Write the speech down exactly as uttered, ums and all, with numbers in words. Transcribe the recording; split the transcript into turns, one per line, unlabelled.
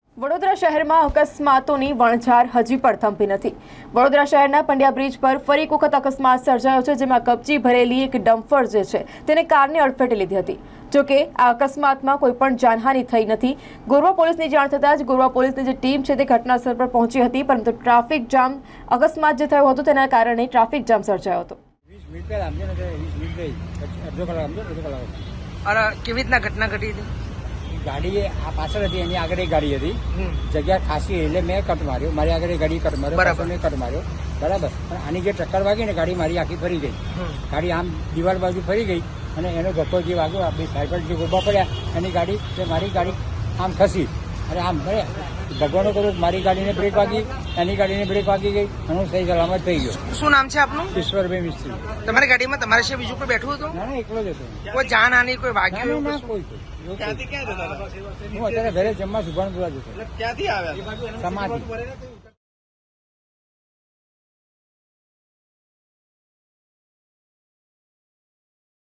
વડોદરા શહેરમાં અકસ્માતોની વણઝાર હજી પણ થંભી નથી। વડોદરા શહેરના પંડ્યા બ્રિજ પર ફરી એક વખત અકસ્માત સર્જાયો છે, જેમાં કપચી ભરેલી એક ડમ્પર જે છે તેને કારને અડફેટે લીધી હતી। જોકે આ અકસ્માતમાં કોઈ પણ જાનહાનિ થઈ નથી। ગોરવા પોલીસની જાણ થતાં જ ગોરવા પોલીસની જે ટીમ છે તે ઘટનાસ્થળ પર પહોંચી હતી, પરંતુ ટ્રાફિક જામ અકસ્માત જે થયો હતો તેના કારણે ટ્રાફિક જામ સર્જાયો હતો।
અરે કેવી રીતના ઘટના ઘટી હતી?
ગાડી આ પાછળ હતી, એની આગળ એક ગાડી હતી, જગ્યા ખાસી એટલે મેં કટ માર્યો, મારી આગળ ગાડી કટ માર્યો, બરાબર મેં કટ માર્યો, બરાબર। પણ આની જે ટક્કર વાગી ને ગાડી મારી આખી ફરી ગઈ, ગાડી આમ દિવાલ બાજુ ફરી ગઈ અને એનો ધક્કો જે વાગ્યો આપણી સાઈડ પર જે ઉભા પડ્યા એની ગાડી તે મારી ગાડી આમ ખસી અને આમ ભગવાનનો કરો મારી ગાડીને બ્રેક વાગી, એની ગાડીને બ્રેક વાગી ગઈ અને હું સહી સલામત થઈ ગયો।
શું નામ છે આપનું?
ઈશ્વરભાઈ મિસ્ત્રી।
તમારી ગાડીમાં તમારા સિવાય બીજું કોઈ બેઠું હતું?
ના ના, એકલો જ હતો।
કોઈ જાનહાનિ, કોઈ વાગ્યું?
ના કોઈ હું અત્યારે ઘરે જમવા સુભાનપુરા જતો, સમાધિ।